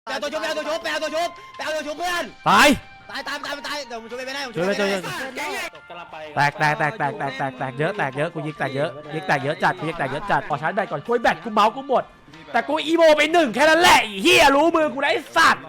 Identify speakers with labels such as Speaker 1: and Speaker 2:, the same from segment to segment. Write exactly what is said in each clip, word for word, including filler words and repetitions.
Speaker 1: แปลตัวชุบแปลตัวชุบแปลตัวชุบแปลตัวชุบเพื่อน
Speaker 2: ตาย
Speaker 1: ตายตายตายตายเดี๋ยวผมช่วยไปได้ผมช่
Speaker 2: ช่
Speaker 1: ว
Speaker 2: วย ย
Speaker 1: ไป
Speaker 2: ช่วย
Speaker 1: ได้
Speaker 2: แตกแตกแตกแตกแตกแตกแตกเยอะแตกเยอะกูยิงแตกเยอะยิงแตกเยอะจัดกูยิงแตกเยอะจัดขอชาร์จแบตก่อนคุยแบตกูเมาส์กูหมดแต่กูอีโมไปหนึ่งแค่นั้นแหละไอ้เหี้ยรู้มือกูได้สัตว์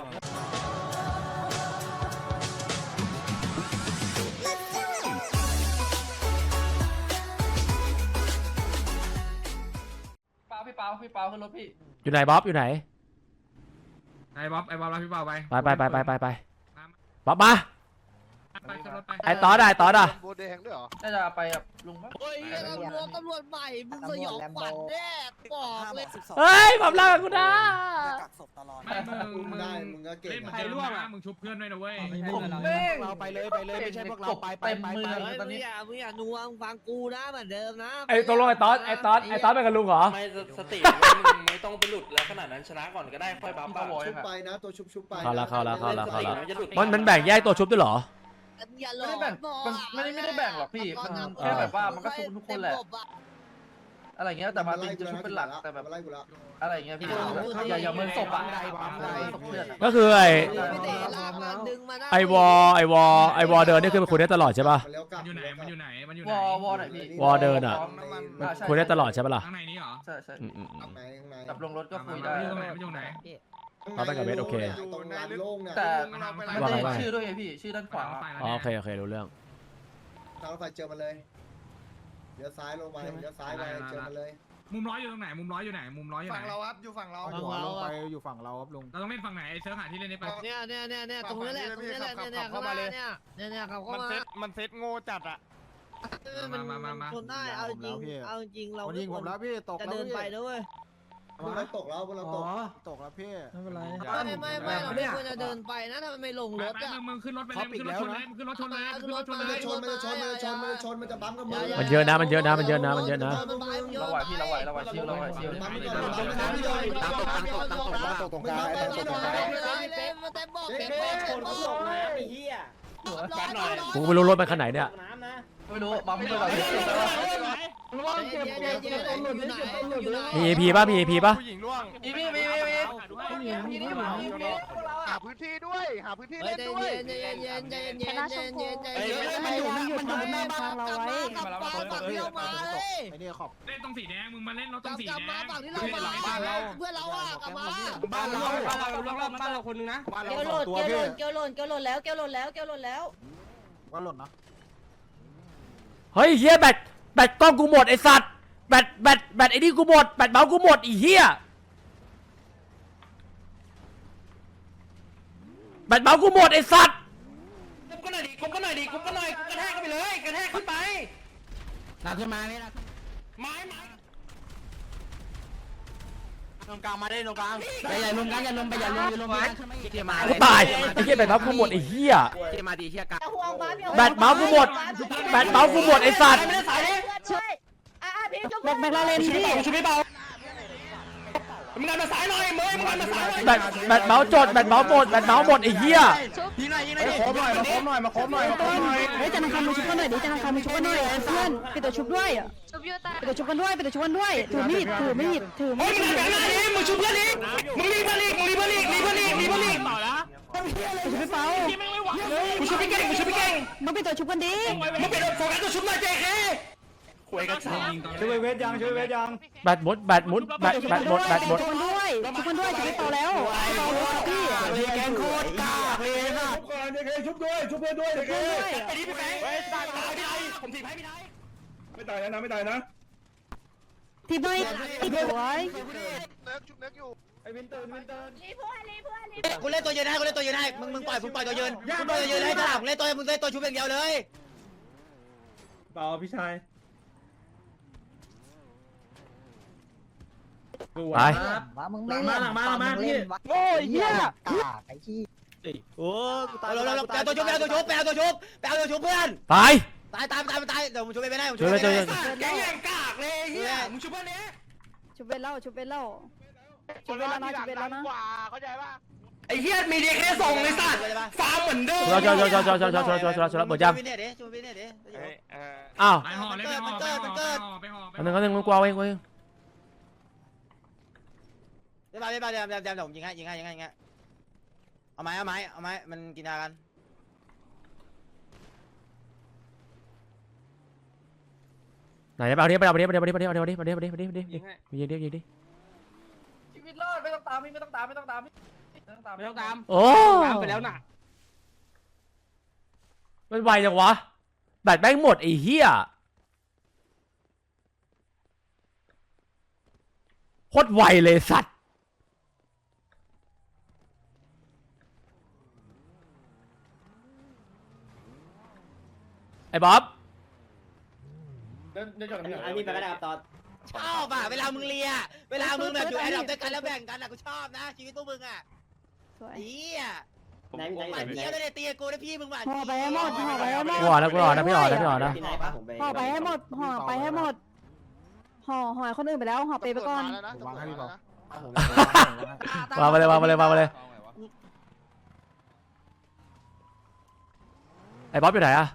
Speaker 3: พี่เปาพี่เปาขึ้นรถพี่
Speaker 2: อยู่ไหนบ๊อบอยู่ไหน
Speaker 4: ไอ้บ๊อบไอ้บ๊อบรับพี่เปาไป
Speaker 2: ไปไปไปไปไปไปบ๊อบมา
Speaker 4: ไปขึ้นรถไป
Speaker 2: ไอ้ตอดได้ตอดอ่ะ
Speaker 5: โบแดงด้วยเหรอ
Speaker 3: น่าจะไปกับลุงมั้ง
Speaker 6: เฮ้ยตำรวจตำรวจใหม่มึงสยองขวัญแน่บอกเลย
Speaker 2: เฮ้ยบ๊อบเล่ากูนะ
Speaker 4: ไม่มึงมึง
Speaker 5: ได้มึงก็เก่ง
Speaker 4: เล่นเหมือนเดิมนะมึงชุบเพื่อนด้วยนะเว้ย
Speaker 5: เราไปเลยไปเลยไม่ใช่พวกเราไปไปไปไป
Speaker 6: เฮ้ยมึงอย่ามึงอย่านัวมึงฟังกูนะเหมือนเดิมนะ
Speaker 2: ไอ้ตกลงไอ้ตอดไอ้ตอดไอ้ตอดเป็นกับลุงเหรอ
Speaker 7: ไม่สติไม่ต้องไปหลุดแล้วขนาดนั้นชนะก่อนก็ได้ค่อยบัฟ
Speaker 5: ชุบไปนะตัวชุบชุบไป
Speaker 2: เข้าละเข้าละเข้าละเข้าละมันมันแบ่งแยกตัวชุบด้วยเหรอ
Speaker 6: อย่าหล
Speaker 3: ไม่
Speaker 6: อ
Speaker 3: ได้แบ่ง
Speaker 6: ก
Speaker 3: มันไม่ได้ไม่ได้แบ่งหรอกพี่มันแค่แบบว่ามันก็ชุบทุกคนแหละอะไรเงี้ยแต่มาติงจะชุบเป็นหลักแต่แบบ
Speaker 5: ไล่กูละ
Speaker 3: อะไรเงี้ยพี่อย่าอย่าเมินศพอ่ะ
Speaker 2: ก็คือไอ้
Speaker 6: ดึงมา
Speaker 2: ไอวอไอวอไอวอเดินนี่คือคุยได้ตลอดใช่ป่ะ
Speaker 4: มันอยู่ไหนมันอยู่ไหนมันอยู่ไห
Speaker 3: วน อวอไหนพี่
Speaker 2: วอเดินอ่ะคุยได้ตลอดใช่ป่ะล่ะ
Speaker 4: ข้างในนี้เหรอ
Speaker 3: ใช่ใช่
Speaker 2: อืมอืมอืม
Speaker 5: ไหนข้างใน
Speaker 3: กับลงรถก็คุย
Speaker 4: มัน
Speaker 3: ได้
Speaker 4: อยู่ตรงไหนมันอยู่ไหน
Speaker 2: เราไปกับเบสโอเค
Speaker 5: ตรงลานโล่งเนี่ย
Speaker 3: แต่
Speaker 4: มัน
Speaker 3: มัน
Speaker 4: ว่าไง
Speaker 3: จะชื่อด้วยไงพี่ชื่อด้านขวา
Speaker 2: อ๋อโอเคโอเครู้เรื่อง
Speaker 5: ทางรถไฟเจอมันเลยเดี๋ยวซ้ายลงไปเดี๋ยวซ้ายไปเจอมันเลย
Speaker 4: มุมร้อยอยู่ตรงไหนมุมร้อยอยู่ไหนมุมร้อยอยู่ไหน
Speaker 5: ฝั่งเราครับอยู่ฝั่งเรา
Speaker 6: ฝั่งเรา
Speaker 5: ไปอยู่ฝั่งเราครับลุง
Speaker 4: เราต้องเล่นฝั่งไหนไอ้เซิร์ฟหาที่เล่นได้ไป
Speaker 6: เนี่ยเนี่ยเนี่ยเนี่ยตรงนี้แหละตรงนี้แหละเนี่ยเนี่ยเข้ามาเลยเนี่ยเนี่ยเนี่ยเขาเข้ามา
Speaker 5: มันเซ็ตโง่จัดอ่ะ
Speaker 6: มันมันชนได้เอาจริงเอาจริงเรา
Speaker 5: มันยิงผมแล้วพี่ตก
Speaker 6: จะ
Speaker 5: แล้ว
Speaker 6: เดินไปด้วย
Speaker 5: พวกเราตกแล้วพวกเราตกตกแล้วพี่ไม่เป็นไร
Speaker 6: ไม่ไม่ไม่เราไม่ควรจะเดินไปนะถ้ามันไม่ลงรถ
Speaker 4: ไป
Speaker 6: อ่ะ
Speaker 4: มึงมึงขึ้นรถไปเลยมึงขึ้นรถชนเลยมึงขึ้นรถชนเลยขึ้นรถชน
Speaker 5: มัน
Speaker 4: เล
Speaker 5: จะ
Speaker 4: ย
Speaker 5: ชนมันจะชนมันจะชนมันจะชนมันจะบั๊มกับมือ
Speaker 2: มันเยอะนะมันเยอะนะมันเยอะนะมันเยอะนะ
Speaker 3: เราไหวพี่เราไหวเราไหวชิวเราไหวชิว
Speaker 5: บั๊มไม่โดนบั๊มไม่โดนไม่โดนตามตกตามตกตามตกตามตกตรงกลางตามตกตรงกลาง
Speaker 6: เต็มบอกเต็มบอกเต็มบอก
Speaker 2: กูไม่รู้รถมันขนาดไหนเนี่ย
Speaker 3: ไม่รู้บัมไม่รู้อะไร
Speaker 2: มีเอพีป่ะมีเอพีป่ะ
Speaker 5: ผู้หญิงล่วง
Speaker 3: มีมีมีมี
Speaker 5: หาพื้นที่ด้วยหาพื้นที่
Speaker 6: เฮ้
Speaker 5: เล่
Speaker 6: ย
Speaker 5: น
Speaker 6: ใจ
Speaker 5: ด้วย
Speaker 6: เย็นใจเย็นใจเย็นใจเย็นใจเย็นใจเย็น
Speaker 5: มันอยู่มันอยู่หน้าบ้านเราไว้
Speaker 6: กลับมาฝั่งที่เรามาเลย
Speaker 5: ไอ้นี่ขอบ
Speaker 4: เล่นตรงสีแดงมึงมาเล่นรถต
Speaker 6: ก
Speaker 4: ร
Speaker 6: ลั
Speaker 4: ง
Speaker 6: บ
Speaker 4: สี
Speaker 6: กลับ
Speaker 4: แด
Speaker 6: มาง ฝั่งที่เรามาเพื่อนเราอ่ะกลับมา
Speaker 5: บ้านเรา
Speaker 8: บ้านเราบ้านเราบ้านเราคนนึงนะ
Speaker 5: บ้านเรา
Speaker 8: เกล
Speaker 5: ส
Speaker 8: โหล
Speaker 5: อง
Speaker 8: ด
Speaker 5: ตัว
Speaker 8: เกลโหล
Speaker 5: พี่
Speaker 8: ดเกลโหลดเกลโหลดแล้วเกลโหลดแล้วเกลโหลดแล้ว
Speaker 5: ว่าหล่นนะ
Speaker 2: เฮ้ยเฮียแบตแบตกล้องกูหมดไอสัตว์แบตแบตแบตไอ้นี่กูหมดแบตเมาส์กูหมดไอ้เฮียแบตเมาส์กูหมดไอสัตว์
Speaker 7: กุ๊บก็หน่อยดิกุ๊บก็หน่อยดิกุ๊บก็หน่อยกระแทกเข้าไปเลยกระแทกขึ้นไป
Speaker 8: หนักขึ้นมาไม่หนัก
Speaker 7: ไม้ไม้
Speaker 8: ตรงกลางมาได้ตรงกลางไปอย่าลงกันอย่าลงไปอย่าลงอย่าลงกันเทียมา
Speaker 2: กูตายไอ้เฮียแบตเมาส์กูหมดไอ้เฮีย
Speaker 8: เทียมาดีเทียกัน
Speaker 2: แบตเมาส์กูหมดแบตเมาส์กูหมดไอสัตว์
Speaker 8: ช่วยอ่าพี่จุ๊บแบกแบกลาเลนพี่
Speaker 7: ชุบไม่เบามึงดันมาสายหน่อยเมย์มึงดันมาสายหน่อย
Speaker 2: แบตแบตเมาส์จดแบตเมาส์หมดแบตเมาส์หมดไอ้เหี้ย
Speaker 8: ยิงหน่อยยิงหน่อย
Speaker 5: มาโคบหน่อยมาโคบหน่อยมาโคบหน่อยมาโคบหน่อย
Speaker 9: เฮ้ยจันทร์คำมาชุบกันหน่อยดิจันทร์คำมาชุบกันหน่อยเพื่อนไปตัวชุบด้วยอ่ะ
Speaker 10: ชุบยูตา
Speaker 9: ไปตัวชุบกันด้วยไปตัวชุบกันด้วยถือมีดถือมีดถือมี
Speaker 7: เฮ้ย
Speaker 9: ด
Speaker 7: มึงดันมาหน้าดิมึงชุบเพื่อนดิมึงรีบเพื่อนดิมึงรีบเพื่อนดิรีบเพื่อนดิรีบเพื่อนดิต่อละ
Speaker 9: ชุบไปเปล่า
Speaker 7: กูชุบพี่เก่งกูชุบพี่เก่ง
Speaker 9: มึงไปตัวชุบกันดิ
Speaker 7: มึงเป็นโฟกัสตัวชุบหน่อยเจเคคุยกันสาม
Speaker 5: ช่วยเวทยังช่วยเวทยัง
Speaker 2: แบตหมดแบตหมดแบตแบตหมดแบตหมด
Speaker 9: ชุบกันด้วยชุบกันด้วยชุบไปเปล่าแล้วเปล่าแล้วพี่
Speaker 5: เลยแกงโคตรกากเลยนะชุบก่อนเด็กชุบด้วยชุบเพื่อนด้วยเด็ก
Speaker 7: ไปดิพี่แบงค์ไปตายพี่ไทยผมถีบให้พี่ไทย
Speaker 5: ไม่ตายนะไม่ตายนะ
Speaker 9: ทีไม่ทีสวย
Speaker 5: เน็กชุบเน็กอยู่ไอ้วินเตอร์วินเตอร์
Speaker 10: รีเพื่อนรีเพื่อนรี
Speaker 1: กูเล่นตัวยืนให้กูเล่นตัวยืนให้มึงมึงปล่อยมึงปล่อยตัวยืนมึงปล่อยตัวยืนให้ข้างหลังเล่นตัวมึงเล่นตัวชุบอย่างเดียวเลย
Speaker 5: เปล่าพี่ชาย
Speaker 2: ไป
Speaker 9: ว่ามึงไม่เล่นมามาพี่โอ้ยเหี้ยไอ้ขี้
Speaker 1: โอ้กูตายแล้วแปลตัวชุบแปลตัวชุบแปลตัวชุบแปลตัวชุบเพื่อน
Speaker 2: ตาย
Speaker 1: ตายตายตายตายเดี๋ยวผมช่วยไปได้ผม
Speaker 2: ช่วย
Speaker 1: ไป
Speaker 2: ช่วย
Speaker 1: ได้
Speaker 7: แกงอย่างกากเลยเฮียมึงชุบเพื่อนนี้
Speaker 9: ชุบเป็นเล่าชุบเป็นเล่าชุบเป็นแล้วนะชุบเป็นแล้วนะ
Speaker 7: ไอ้เฮียมีเด็กแค่ส่งเลยสัตว์ฟาร์มเหมือนเดิม
Speaker 2: ช่วยช่วยช่วยช่วยช่วยช่วยช่วยช่วยช่วยช่วยช่วยหมดยัง
Speaker 1: ช่วยไปเนี่ยดิช่วยไปเนี่ยดิ
Speaker 2: อ้าว
Speaker 4: ไปห่อเลยไปห่อไปห่อไปห่อไปห่อ
Speaker 2: อันนึงอันนึงมึงกลัวเองกูเอง
Speaker 1: เดี๋ยวมาเดี๋ยวมาเดี๋ยวเดี๋ยวเดี๋ยวผมยิงให้ยิงให้ยิงให้ยิงให้เอาไม้เอาไม้เอาไม้มันกินยากัน
Speaker 2: ไหนไปเอาดิไปเอาดิไปเอาดิไปเอาดิไปเอาดิไปเอาดิไปเอาดิไปเอาดิไปเอาดิยิงดิยิงดิ
Speaker 3: ชีวิตรอดไม่ต้องตามพี่ไม่ต้องตามไม่ต้องตามพี่ไม่ต้องตาม
Speaker 8: ไม่ต้องตาม
Speaker 2: โอ้
Speaker 8: ตามไปแล้วน่ะ
Speaker 2: มันไวจังวะแบตแม่งหมดไอ้เหี้ยโคตรไวเลยสัตว์ไอ้บ๊อบ
Speaker 3: เดินเดินจอดกัน
Speaker 8: อันนี้ไปก็ได้ครับตอน
Speaker 1: ชอบอ่ะเวลามึงเลียเวลามึงแบบอยู่แอร์ดรอปด้วยกันแล้วแบ่งกันอ่ะกูชอบนะชีวิตพวกมึงอ่ะ
Speaker 9: สวย
Speaker 1: เฮีย
Speaker 8: ไหนไหน
Speaker 1: หวานเจี๊ยบเลยตีกูนะพี่มึงหวาน
Speaker 9: ห่อไปให้หมดห่อไปให้หมด
Speaker 2: กูอ่อนนะกูอ่อนนะพี่อ่อนนะพี่อ่อนนะ
Speaker 8: ที่ไหนปะผมไป
Speaker 9: ห่อไปให้หมดห่อไปให้หมดห่อห่อคนอื่นไปแล้วห่อเปไปก่อน
Speaker 5: วางให้พี่บอก
Speaker 2: วางไปเลยวางไปเลยวางไปเลยไอ้บ๊อบอยู่ไหนอะ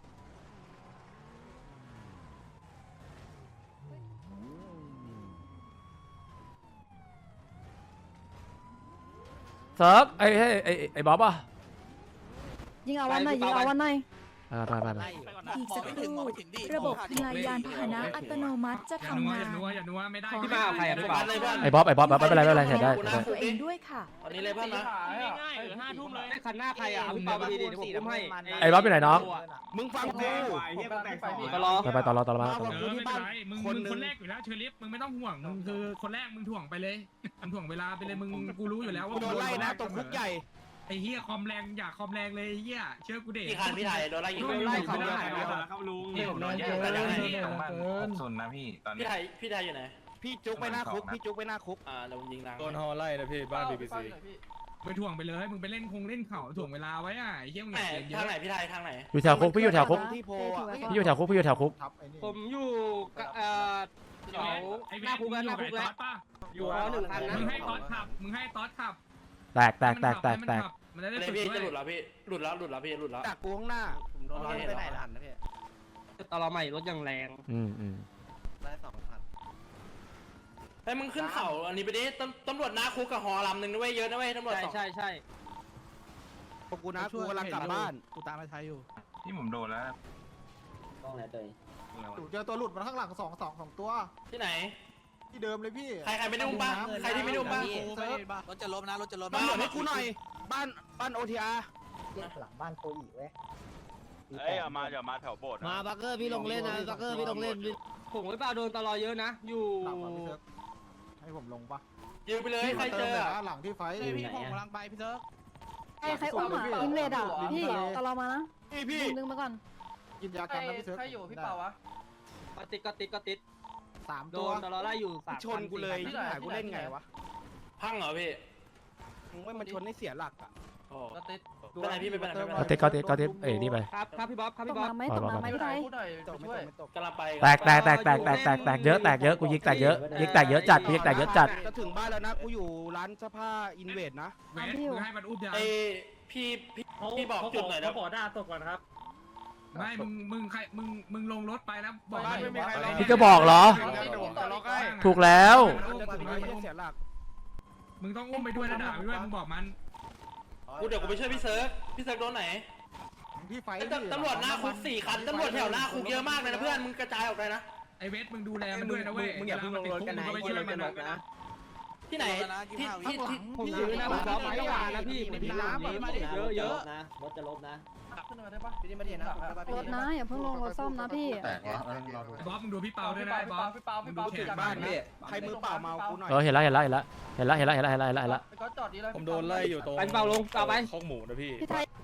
Speaker 2: เซิร์ฟไอ้ไอ้ไอ้ไอ้บ๊อบอะ
Speaker 9: ยิงเอาวันหน่อยยิงเอาวันหน่อย
Speaker 2: ไปไปไป
Speaker 10: อีกสักครู่ระบบทำลายยานพาหนะอัตโนมัติจะ
Speaker 4: อย่านัว
Speaker 10: ทำงา
Speaker 4: อย่าน นัวอย่านัวไม่ได้
Speaker 8: พี่มาเอาใครอ่ะพี่บาส
Speaker 2: ไอ้บ๊อบไอ้บ๊อบไม่เป็นไรไม่เป็นไรเห็นได้
Speaker 10: ตัวเองด้วยค่ะ
Speaker 3: ตอนนี้เลยเพื่อนนะ
Speaker 4: ง่ายๆเหลือห้าทุ่มเลย
Speaker 8: ไอ้คันหน้าใครอ่ะเอาพี่เปาไปดีๆเดี๋ยวผมอุ้มให้
Speaker 2: ไอ้บ๊อบอยู่ไหนน้อง
Speaker 7: มึงฟังกู
Speaker 8: ก็รอ
Speaker 2: ไปไปต่อรอต่อรอมา
Speaker 4: เออไม่เป็นไรมึงมึงคนแรกอยู่แล้วเชอริฟมึงไม่ต้องห่วงมึงคือคนแรกมึงถ่วงไปเลยมึงถ่วงเวลาไปเลยมึงกูรู้อยู่แล้วว่า
Speaker 7: โดนไล่นะตรงคุกใหญ่
Speaker 4: ไอ้เหี้ยคอมแรงอยากคอมแรงเลยไอ้เหี้ยเชื่อกูเด็ก
Speaker 3: พี่คันพี่ไทยโดนไล่ยิง
Speaker 4: โดนไล่เขาได้
Speaker 3: ครับลุง
Speaker 4: นี่ผมโดน
Speaker 3: เยอะแต่ยังไง
Speaker 11: ส่วนนะพี่ตอนนี้
Speaker 3: พี่ไทยพี่ไทยอยู่ไหน
Speaker 7: พี่จุกไปหน้าคุกพี่จุกไปหน้าคุก
Speaker 3: อ่าเรายิงนาง
Speaker 11: โดนฮอไล่นะพี่บ้านบีบีซี
Speaker 4: ไปถ่วงไปเลยมึงไปเล่นคงเล่นเข่าถ่วงเวลาไว้อ่ะไอ้เหี้ยมึงอ
Speaker 3: ไหน
Speaker 4: ย่าเสียเย
Speaker 3: ทาง
Speaker 4: อะ
Speaker 3: ไหนพี่ไทยทางไหน
Speaker 2: อยู่แถวคุกพี่อยู่แถวคุก
Speaker 7: ที่โพ
Speaker 9: เป
Speaker 7: อ่ะ
Speaker 9: ถือไว้ก่อน
Speaker 2: พี่อยู่แถวคุกพี่อยู่แถวคุก
Speaker 5: ทับไอ้นี่
Speaker 8: ผมอยู่กับเอ่อแถว
Speaker 4: ไอ้
Speaker 8: ห
Speaker 4: เว
Speaker 8: น้า
Speaker 4: ท
Speaker 8: คุก
Speaker 4: มึ
Speaker 8: แล้ว
Speaker 4: ง
Speaker 8: ห
Speaker 4: อยู่
Speaker 8: น้า
Speaker 4: กับ
Speaker 8: คุ
Speaker 4: ไอ้
Speaker 8: ก
Speaker 4: ต๊
Speaker 8: แล้
Speaker 4: อ
Speaker 8: ว
Speaker 4: ดป่ะ
Speaker 8: อยู่อ๋อหนึ่งคันนะ
Speaker 4: มึงให้ต๊อดขับมึงให้ต๊อดขับ
Speaker 2: แตกแตกแตกแตกแตก
Speaker 4: มันจะได้
Speaker 3: เลย
Speaker 4: ฝึก
Speaker 3: พี่
Speaker 4: ด้ว
Speaker 3: จะหลุด
Speaker 4: ย
Speaker 3: แล้วพี่หลุดแล้วหลุดแล้วพี่หลุดแล้ว
Speaker 7: จากกูข้างหน้า
Speaker 3: ผมโดนไล่ไปไหนล่ะ
Speaker 8: ตอนเราใหม่รถยังแรง
Speaker 2: อืมอืม
Speaker 3: ได้สองพันไอ้มึงขึ้นเขาอันนี้ไปดิตำตำรวจนาคุกกับหอลำหนึ่งด้วยเยอะนะเว้ยตำรวจ
Speaker 8: ใช่
Speaker 3: สอง
Speaker 8: ใช่ใช่
Speaker 7: พวกกูนะกูกำลังกลับบ้าน
Speaker 11: กูตามไปไทยอยู่ที่ผมโดนแล้ว
Speaker 8: ต้องไหนเตย
Speaker 5: เจอตัวหลุดมาข้างหลังสองสองสองตัว
Speaker 3: ที่ไหน
Speaker 5: ที่เดิมเลยพี่
Speaker 3: ใครใครไม่ได้อุ้มป่ะใครที่ไม่ได้อุ้มป่ะ
Speaker 8: รถจะล้มนะรถจะล้ม
Speaker 7: ตำรวจให้กูหน่อย บ้านบ้านโอทีอาร์
Speaker 9: หลังบ้านโคอีเว้ย
Speaker 11: เอ้ยมาอย่ามาแถวโบสถ์
Speaker 1: มาบักเกอร์พี่ลงเล่นนะบักเกอร์พี่ลงเล่น
Speaker 8: ผมไม่เปล่าโดนตลอเยอะนะ อยู่
Speaker 5: หลังมาพี่เซิร์ฟให้ผมลงปะ
Speaker 3: ยืมไปเลยใครเจอ
Speaker 5: หลังที่ไฟ
Speaker 8: พี่ผมกำลังไปพี่เซิร์ฟ
Speaker 9: ใครใครอุ้มอ่ะอินเวดอ่ะพี่ตลอดมานะ
Speaker 7: พี่พี่
Speaker 9: ดึงมาก่อน
Speaker 5: กินยากันนะพี่เซิร์ฟ
Speaker 3: ใครอยู่พี่เปาวะ
Speaker 8: ก็ติดก็ติดก็ติด
Speaker 5: สาม
Speaker 8: โด
Speaker 5: ตัวน
Speaker 8: ตลอไล่อยู่สาม
Speaker 7: ชนกูเลยหากูเล่นไงวะ
Speaker 3: พังเหรอพี่
Speaker 7: มึงว่ามันชนให้เสียหลักอ่ะ
Speaker 3: โอ้ก็ติดเป็นไรพี่ไม่เป็นไรไม่เป็น
Speaker 2: ก็
Speaker 3: ไร
Speaker 2: เต็ก็เต็ก็เต็เอ้ยนี่ไป
Speaker 8: ครับครับพี่บ๊อบครับ
Speaker 9: ต
Speaker 8: พี่
Speaker 9: ก
Speaker 8: บ๊อบ
Speaker 9: น้ำไหมตกน้ำไหมพี่ไทย
Speaker 7: ตกไม่ตกไม่ตก
Speaker 3: กำลังไป
Speaker 2: แตกแตกแตกแตกแตกแตกแตกเยอะแตกเยอะกูยิงแตกเยอะยิงแตกเยอะจัดกูยิงแตกเยอะจัด
Speaker 7: จะถึงบ้านแล้วนะกูอยู่ร้านเสื้อผ้าอินเวดนะ
Speaker 4: เวทมึงให้มันอุ้มยา
Speaker 3: ไอพี่พี่พี่บอกจุดหน่อยนะ
Speaker 8: ขอด่าตกก่อนครับ
Speaker 4: ไม่มึงมึงใครมึงมึงลงรถไปแล้วบอก
Speaker 2: พี่ก็บอกเหรอ ถูกแล้ว
Speaker 7: จะถึงบ้านไม่เสียหลัก
Speaker 4: มึงต้องอุ้มไปด้วยนะด่าไปด้วยมึงบอกมัน
Speaker 3: กูเดี๋ยวกูไปช่วยพี่เซิร์ฟพี่เซิร์ฟโดนไหน
Speaker 5: ที่ไฟ
Speaker 3: ตำรวจหน้าคุกสี่คันตำรวจแถวหน้าคุกเยอะมากเลยนะเพื่อนมึงกระจายออกไปนะ
Speaker 4: ไอเวทมึงดูแลมันด้วยนะเว้ย
Speaker 8: มึงอย่าเพิ่งลงรถกันนะ
Speaker 4: ไปช่วยมันนะ
Speaker 3: ที่ไหนที่ที่ที่
Speaker 8: ผมยืนนะผมบ๊อบไม่ว่านะพี่ผมน้ำเยอะเยอะ
Speaker 1: นะรถจะลบนะ
Speaker 3: ขึ้นมาได้ปะพี่มาเดียนะ
Speaker 9: รถนะอย่าเพิ่งลงรถซ่อมนะพี่
Speaker 11: แตกวะรอดู
Speaker 4: บ๊อบมึงดูพี่เปาด้วยนะบ๊อบ
Speaker 3: พี่เปาพี่เปา
Speaker 4: มึงดู
Speaker 3: พี่
Speaker 4: เขต
Speaker 3: เปา
Speaker 4: บ้านพี่
Speaker 7: ใครมือเปล่าเมากูหน่อย
Speaker 2: เออเห็นแล้วเห็นแล้วเห็นแล้วเห็นแล้วเห็นแล้วเห็นแล้วเห็นแล้วเห็นแล้วเห็นแล้ว
Speaker 3: ก็จอดดีเลย
Speaker 11: ผมโดนไล่อยู่ตรง
Speaker 8: ไปพี่เปาลงเปาไป
Speaker 11: ข้องหมูนะพี่
Speaker 9: พี่ไทย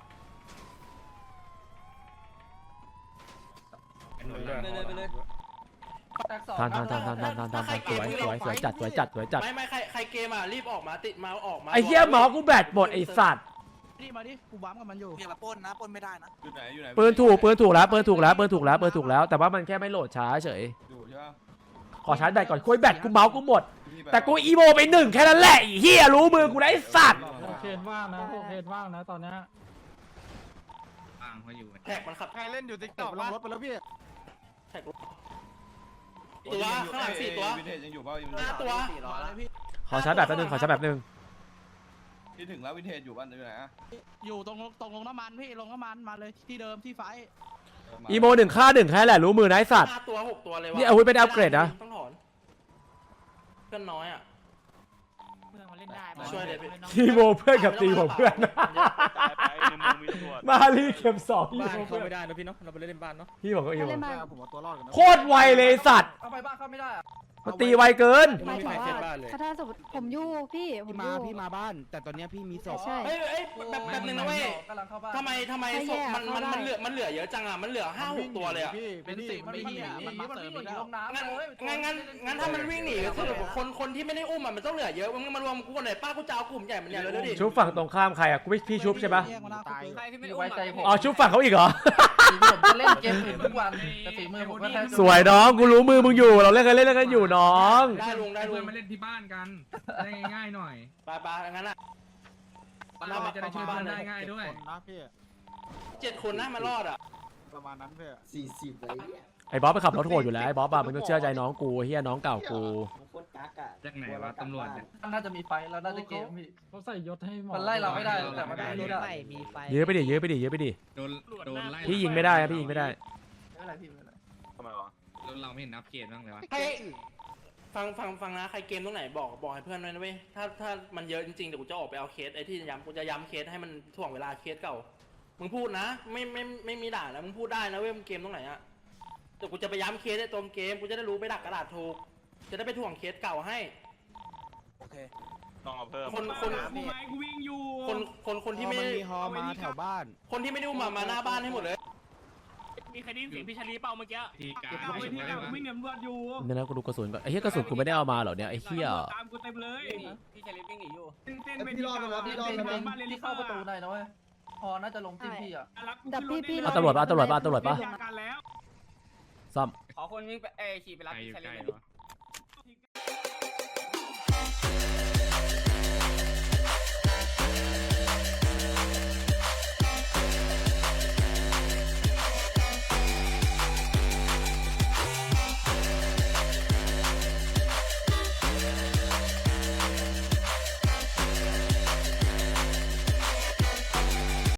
Speaker 8: ไปเลยไปเลย
Speaker 3: แตกสอง
Speaker 2: ทานทานทานทานทานทานทานสวยสวยสวยจัดสวยจัดสวยจัด
Speaker 3: ไม่ไม่ใครใครเกมอ่ะรีบออกมาติดมาออกมา
Speaker 2: ไอ้เหี้ยหมอกูแบตหมดไอ้สัตว์
Speaker 7: นี่มาดิกูบ้ามกับมันอยู่
Speaker 8: อย่ามาปล้นนะปล้นไม่ได้นะ
Speaker 11: อยู่ไหนอยู่ไหน
Speaker 2: ปืนถูกปืนถูกแล้วปืนถูกแล้วปืนถูกแล้วปืนถูกแล้วแต่ว่ามันแค่ไม่โหลดช้าเฉย
Speaker 11: อยู่ใช่ปะ
Speaker 2: ขอชาร์จแบตก่อนคุยแบตกูเมาส์กูหมดแต่กูอีโมไปหนึ่งแค่นั้นแหละไอ้เหี้ยรู้มือกูนะไอ้สัตว์
Speaker 11: เคนว่างนะเคนว่างนะตอนนี้
Speaker 4: อ่างเขาอยู่
Speaker 3: แท็กมันขับ
Speaker 11: ใครเล่นอยู่ติ๊ก
Speaker 5: ต
Speaker 11: ต็อก
Speaker 5: กลงรถไปแล้วพี่
Speaker 3: แท็กตัวข้างหลังสี่ตัว
Speaker 11: วินเทจยังอยู่เปล่ายัง
Speaker 3: ห้าตัว
Speaker 2: ขอชาร์จแบตแป๊บนึงขอชาร์จแบตแป๊บนึง
Speaker 3: ที่ถึงแล้ววินเทจอยู่บ้านอยู่ไหนอะ
Speaker 8: อยู่ตรงตรงลงน้ำมันพี่ลงน้ำมันมาเลยที่เดิมที่ไฟ
Speaker 2: อีโมหนึ่งฆ่าหนึ่งแค่แหละรู้มือนะไอ้สัตว์
Speaker 7: ห้าตัวหกตัวเลยวะ
Speaker 2: นี่อาวุธไม่ได้อัปเกรดนะ
Speaker 7: ต้องถอนเพื่อนน้อยอ่ะ
Speaker 8: เพื่อนมาเล่นได้
Speaker 7: ช่วยเลยพี่
Speaker 2: อีโมเพื่อนกับตีผมเพื่อน
Speaker 11: ตายไปในเมืองมีตำรวจ
Speaker 2: มาลีเข็มสองอี
Speaker 8: บ้าน
Speaker 2: โม
Speaker 8: เขา
Speaker 2: เพื่อน
Speaker 8: ไม่ได้นะพี่เนาะเราไปเล่นบ้านเนาะ
Speaker 2: พี่บอกว่าอีโม
Speaker 3: ผมเอาตัวรอดกันนะ
Speaker 2: โคตรไวเลยไอ้สัตว์
Speaker 3: เอาไปบ้านเข้าไม่ได้อะ
Speaker 2: มันตีไวเกิน
Speaker 8: ไม่มีใครเซ็ตบ้านเลย
Speaker 9: ถ้าสมมติผมอยู่พี่ผม
Speaker 8: พี่มาพี่มาบ้าน แต่ตอนนี้พี่มีศพ
Speaker 9: ใช่
Speaker 7: เฮ้ยเฮ้ยแบบแบบนึงนะเว้ย
Speaker 3: กำลังเข้าบ้าน
Speaker 7: ทำไมทำไมศพมันมันมันเหลือมันเหลือเยอะจังอ่ะมันเหลือห้าหกตัวเลยอ่ะ
Speaker 3: เป็นสิบมันวิ่งหนีมันมาเสริมอีกลงน้ำ
Speaker 7: งั้น
Speaker 3: เลย
Speaker 7: งั้นงั้นงั้นถ้ามันวิ่งหนีก็คือคนคนที่ไม่ได้อุ้มอ่ะมันต้องเหลือเยอะมึงมารวมกูคนไหนป้ากูจะเอากลุ่มใหญ่มันเนี่ยเลยดูดิ
Speaker 2: ชุบฝั่งตรงข้ามใครอ่ะกูไม่พี่ชุบใช่ปะ
Speaker 8: ตาย
Speaker 3: พี่ไว้ใจผม
Speaker 2: อ๋อชุบฝั่งเขาอีกเหรอ
Speaker 3: ผมจะเล่นเกมอื่นทุกวันแต่ฝีมือผมก็แค่
Speaker 2: สวยน้องกูรู้มือมึงอยู่เราเล่นกันเล่นกันอยู่น้อง
Speaker 7: ได้ลุงได้ลุ
Speaker 4: เพื่อง นมาเล่นที่บ้านกันได้ง่ายๆหน่อย
Speaker 7: ไปไปงั้นอ่ะ
Speaker 4: เราจะได้ช่วยเพื่อนได้ง่ายด้วย
Speaker 7: เจ็ดคนนะมารอดอ่ะ
Speaker 5: สี่สิบเลย
Speaker 2: ไอ้บ๊อบไปขับรถโหดอยู่แล้วไอ้บ๊อบอะมึงต้องเชื่อใจน้องกูเฮียน้องเก่ากู
Speaker 5: โคตรกักอ่ะ
Speaker 4: จากไหนวะตำรวจเนี่ย
Speaker 3: น่าจะมีไฟแล้วน่าจะเกมพี่
Speaker 11: เขาใส่ยศให้หมอ
Speaker 3: มันไล่เราไม่ได้แต่มัน
Speaker 8: ได้
Speaker 3: ไม่
Speaker 8: ร
Speaker 3: รู้
Speaker 8: ถ
Speaker 3: ได้
Speaker 8: ใหม่มีไฟ
Speaker 2: ยื้อไปดิยื้อไปดิยื้อไปดิ
Speaker 4: โดนโดนไล่
Speaker 2: พี่ยิงไม่ได้นะพี่ยิงไม่ได้
Speaker 3: ไม่เป็นไรพี่ไม่เป็นไร
Speaker 11: ทำไมวะ
Speaker 4: รถเราไม่เห็นนับเกตบ้างเลยวะ
Speaker 7: ให้ฟังฟังฟังนะใครเกมตรงไหนบอกบอกให้เพื่อนด้วยนะเว้ยถ้าถ้ามันเยอะจริงๆเดี๋ยวกูจะออกไปเอาเคสไอ้ที่ย้ำกูจะย้ำเคสให้มันถ่วงเวลาเคสเก่ามึงพูดนะไม่ไม่ไม่มีด่าแล้วมึงพูดได้นะเว้ยมึงเกมตรงไหนอะเดี๋ยวกูจะไปย้ำเคสในตรงเกมกูจะได้รู้ไปดักกระดาษถูกจะได้ไปถ่วงเคสเก่าให้
Speaker 11: ต้องเอาเพิ่ม
Speaker 7: คนคน
Speaker 4: กูไม้กูวิ่งอยู่
Speaker 7: คนคนคนที่ไม่
Speaker 8: มันมีฮอมาแถวบ้าน
Speaker 7: คนที่ไม่ได้อุ้มมามาหน้าบ้านให้หมดเลย
Speaker 4: มีใครได้ยินเสียงพี่ชาลีเปล่าเมื่อกี้ทีการเอาไว้ที่การวิ่งเหนียวตำรวจอยู่
Speaker 2: เนี่ยนะกูดูกระสุนก่อนไอ้เหี้ยกระสุนกูไม่ได้เอามาเหรอเนี่ยไอ้เหี้ย
Speaker 4: ตามกูเต็มเลยพี่ชาลีวิ่งหนีอยู่เต้น
Speaker 5: พี่รอดแล้วพี่รอดแล้ว
Speaker 3: ที่เข้าประตูได้นะเว้ยพอน่าจะลงจิ้มพี่อ่ะ
Speaker 9: ดับพี่พี่
Speaker 2: เอาตำรวจปะเอาตำรวจปะเอาตำรวจปะ
Speaker 4: กันแล้ว
Speaker 2: ซ่อม
Speaker 8: ขอคนวิ่งไปเอขี่ไปรับ
Speaker 4: ใครอยู่
Speaker 8: ชา
Speaker 4: ใก
Speaker 8: ลี
Speaker 4: ล้วะ